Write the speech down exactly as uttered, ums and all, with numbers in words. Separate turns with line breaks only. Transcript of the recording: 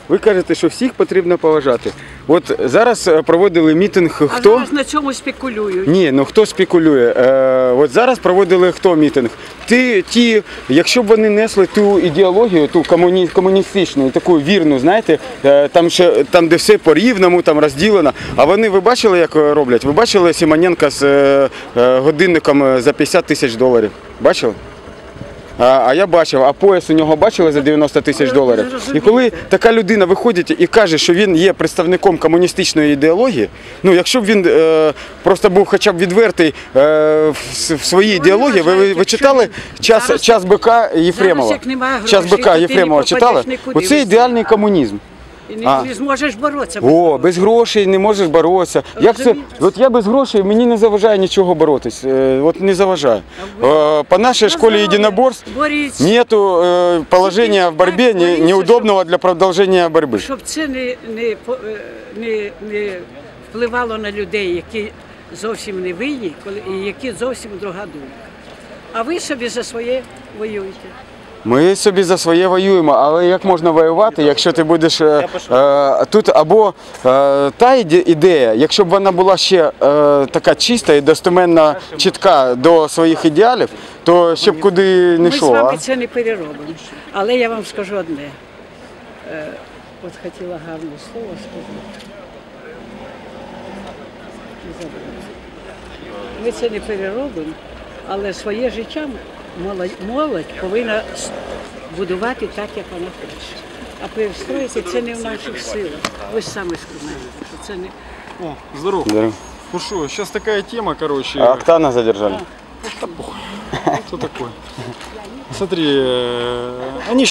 Ви кажете, що всіх потрібно поважати. От зараз проводили мітинг хто?
А зараз на цьому спекулюють.
Ні, ну хто спекулює? Е, от зараз проводили хто мітинг? Ті, ті, якщо б вони несли ту ідеологію, ту комуні, комуністичну, таку вірну, знаєте, е, там, ще, там де все по-рівному, там розділено. А вони, ви бачили, як роблять? Ви бачили Симоненка з е, е, годинником за п'ятдесят тисяч доларів? Бачили? А, а я бачив, а пояс у нього бачили за дев'яносто тисяч доларів. І коли така людина виходить і каже, що він є представником комуністичної ідеології, ну якщо б він е, просто був хоча б відвертий е, в, в своїй ідеології, ви, ви, ви читали час, час бика Єфремова? Час бика Єфремова читали? Оце ідеальний комунізм.
І не, не зможеш боротися.
Без О, без грошей не можеш боротися. Як це? От я без грошей, мені не заважає нічого боротись. От не заважає. По нашій школі єдиноборств нету положення в боротьбі неудобного для продовження боротьби.
Щоб це не, не, не, не впливало на людей, які зовсім не винні, і які зовсім друга думка. А ви собі за своє воюєте.
Ми собі за своє воюємо, але як можна воювати, якщо ти будеш е, е, тут або е, та ідея, якщо б вона була ще е, така чиста і достеменно чітка до своїх ідеалів, то ще б куди не йшло.
Ми з вами це не переробимо. Але я вам скажу одне. Е, от хотіла гарне слово сказати. Ми це не переробимо, але своє життя молодь, молодь повинна будувати так, як вона хоче. А перестроїти це не в наших силах. Ви самі сказали, що це не...
О, здорово.
Здорово.
Ну что, сейчас такая тема, короче.
А Октана задержали.
Да похуй. Что такое? Смотри, э, они